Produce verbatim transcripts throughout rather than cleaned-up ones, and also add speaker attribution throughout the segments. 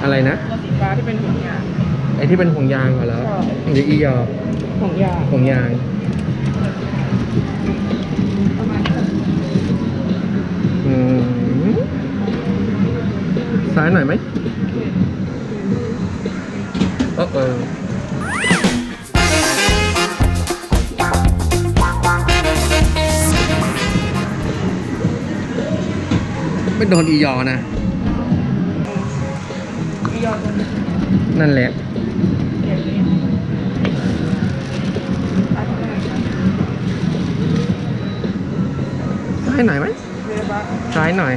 Speaker 1: อะไรนะ
Speaker 2: ตัวสีฟ้าที่เป็นห่วงยาง
Speaker 1: ไอ้ที่เป็นห่วงยางเหรอหรืออียอ
Speaker 2: ห่วงยาง
Speaker 1: ห่วงยาง
Speaker 2: ประมาณนี้
Speaker 1: อืมซ้ายหน่อยไหมเออเออไม่โดนอียอนะ
Speaker 2: อียอตัวนี้
Speaker 1: นั่นแหละซ้ายหน่อยไหมซ้ายหน่อย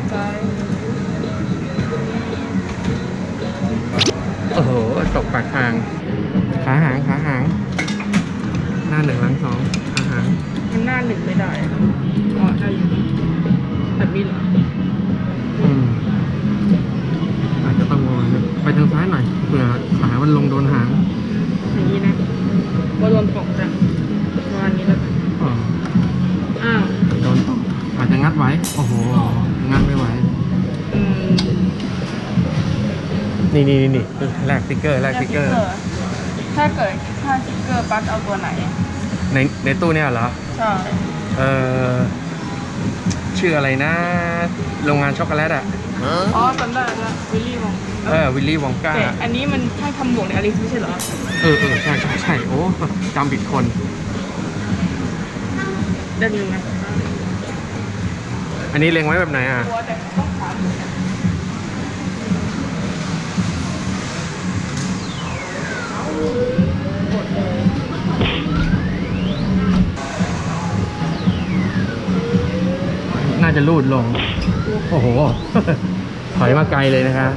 Speaker 1: โอ้โหตกปากทางขาหางขาหางหน้าหนึ่งหลังสองขาหาง
Speaker 2: มันหน้าหนึ่งไม่ได้อ๋อได้อยู่แบบนี้เหรอ
Speaker 1: อืมอาจจะต้องมองไปทางซ้ายหน่อยเผื่อขามันลงโดนหาง
Speaker 2: อย่างนี้นะว่าโดนตกจ้ะประมาณนี้แล้วกัน
Speaker 1: อ๋อ
Speaker 2: อ้าว
Speaker 1: โดนตกอาจจะงัดไว้โอ้โหงัดไม่ไหว
Speaker 2: อืม
Speaker 1: นี่นี่นี่แลกสติ๊กเกอร์แลกสติ๊กเกอร์
Speaker 2: ถ้าเกิดถ้าสติ๊กเกอร์ปั๊กเอาตัวไหน
Speaker 1: ในในตู้เนี่ยเหรอ
Speaker 2: ใช่
Speaker 1: เออชื่ออะไรนะโรงงานช็อกโกแลตอ่ะ
Speaker 2: อ๋อจำได้แล้ววิลลี่วอง
Speaker 1: เออวิลลี่วองก้า
Speaker 2: แต่อันนี้มันให้ทำหมวกในอลิซไม่ใช่เหรอ
Speaker 1: เออเออใช่ใช่ใช่โอ้จำผิดคน
Speaker 2: ได้ยินไหม
Speaker 1: อันนี้เล็งไว้แบบไหนอ่ะน่าจะลูดลงโอ้โหถอยมาไกลเลยนะคะ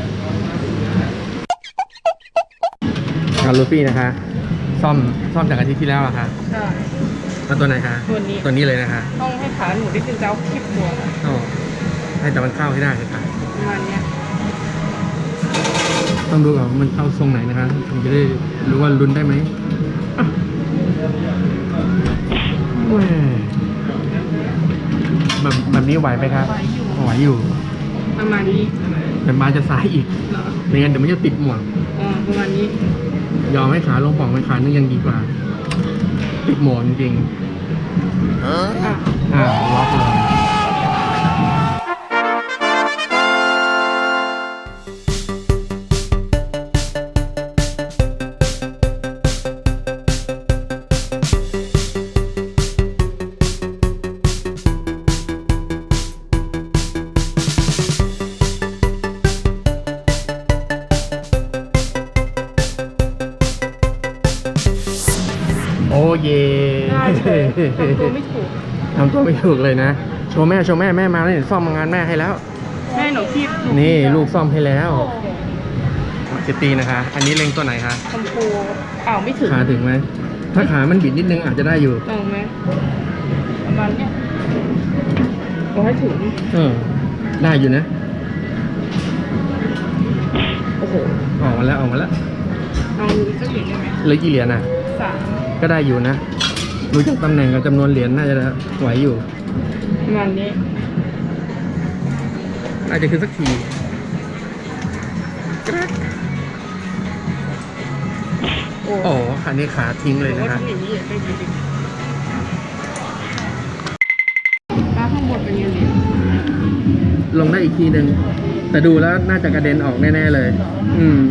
Speaker 1: การลูฟี่นะคะซ่อมซ่อมจากอาทิตย์ที่แล้วอะคะ
Speaker 2: ใช่
Speaker 1: แล้วตัวไหนคะ
Speaker 2: ตัวนี้
Speaker 1: ตัวนี้เลยนะคะ
Speaker 2: ต้องให้ขาหนูได้ดึงเจ้าคลิปตัว
Speaker 1: อ๋อให้แต่มันเข้าให้ได้ค่ะ
Speaker 2: ประมาณนี้
Speaker 1: ต้องดูก่อนมันเข้าทรงไหนนะคะถึงจะได้รู้ว่าลุ้นได้ไหมแบบแบบนี้ไหวไหมครับไหวอยู่
Speaker 2: ประมาณนี้
Speaker 1: แต่มาจะซ้ายอีกไม่งั้นเดี๋ยวมันจะติดหมวก
Speaker 2: อ๋อประมาณนี้
Speaker 1: ยอมให้ขาลงป่องไปขานึงยังดีกว่าติดหมวกจริงๆอ่าอ่าล็อกเลยโอ้เย่
Speaker 2: ทำตัวไม่ถูก
Speaker 1: ทำตัวไม่ถูกเลยนะโชว์แม่โชว์แม่แม่มาแล้วซ่อมงานแม่ให้แล้ว
Speaker 2: แม่หนูคีบ
Speaker 1: นี่ลูกซ่อมให้แล้วจะตีนะคะอันนี้เล็งตัวไหนคะ
Speaker 2: ชมพูอ้าวไม่ถึง
Speaker 1: ขาถึงไหมถ้าขามันบิดนิดนึงอาจจะได้อยู่
Speaker 2: ตรงไหมประมาณเนี้ยก็ให้ถึง
Speaker 1: เออได้อยู่นะ
Speaker 2: โอ้โห
Speaker 1: ออกมาแล้วออกมาแล้ว
Speaker 2: เอาสักเหรียญได้ไหม
Speaker 1: เหลือกี่เหรียญอ่ะ
Speaker 2: สาม
Speaker 1: ก็ได้อยู่นะรู้จักตำแหน่งกับจำนวนเหรียญน่าจะไหวอยู่
Speaker 2: ประมาณนี้
Speaker 1: น่าจะคือสักทีโอ้คันนี้ขาทิ้งเลยนะครับ
Speaker 2: ป้าข้างบนเป็นยังไง
Speaker 1: ลงได้อีกทีหนึ่งแต่ดูแล้วน่าจะกระเด็นออกแน่ๆเลยอืม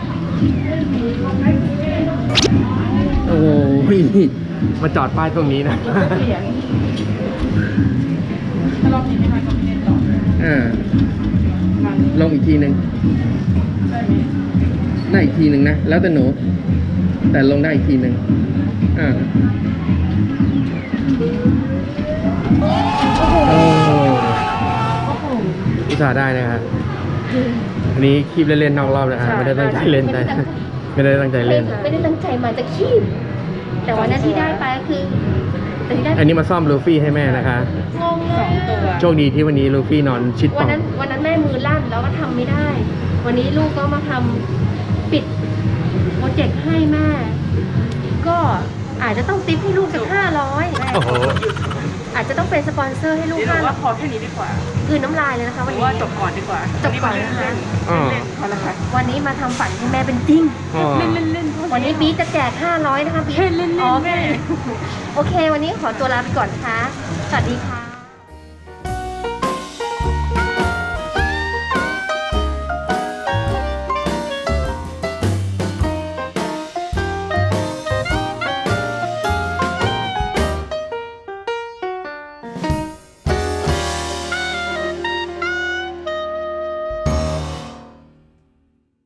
Speaker 1: โอ้โหมาจอดป้ายตรงนี้นะ
Speaker 2: ถ้าเราผิดไม่ทันก็ไม่เล่นต่อ
Speaker 1: เออลงอีกทีหนึ่งได้อีกทีหนึ่งนะแล้วแต่หนูแต่ลงได้อีกทีหนึ่งอ่าโอ้อุตส่าห์ได้นะครับอันนี้คีบเล่นๆนอกรอบนะฮะไม่ได้ตั้งใจเล่นใจไม่ได้ตั้งใจเล่น
Speaker 3: ไม่ได้ตั้งใจมาจะคีบแต่วันนั้นที่ได้ไปก็คือ
Speaker 1: อันนี้มาซ่อมลูฟี่ให้แม่นะคะ
Speaker 3: งงเลย
Speaker 1: โชคดีที่วันนี้ลูฟี่นอนชิด
Speaker 3: วันนั้นวันนั้นแม่มือลั่นแล้วก็ทำไม่ได้วันนี้ลูกก็มาทำปิดโปรเจกต์ให้แม่ก็อาจจะต้องติปให้ลูกสักห้าร้อยอาจจะต้องเป็นสปอนเซอร์ให้ลูก
Speaker 2: ห้าร้อยว่าพอแค่นี้ดีกว่า
Speaker 3: กลืนน้ำลายเลยนะคะ
Speaker 2: ห
Speaker 3: วัน
Speaker 2: รือ
Speaker 3: นี้
Speaker 2: ว่าจบก่อนดีกว่า
Speaker 3: จบก่อนนะคะ
Speaker 2: เล่น
Speaker 1: อ๋อ
Speaker 2: ๆเล่นๆพอละค่ะ
Speaker 3: วันนี้มาทำฝันให้แม่เป็นจริง
Speaker 1: อ๋อ
Speaker 2: เล่นเล่นเล่นๆ
Speaker 3: วันนี้บีจะแจกห้าร้อยนะคะบี
Speaker 2: เล่นเล่นๆ
Speaker 3: อ๋อ
Speaker 2: แม่
Speaker 3: โอเค วันนี้ขอตัวลาไปก่อนนะคะ สวัสดีค่ะ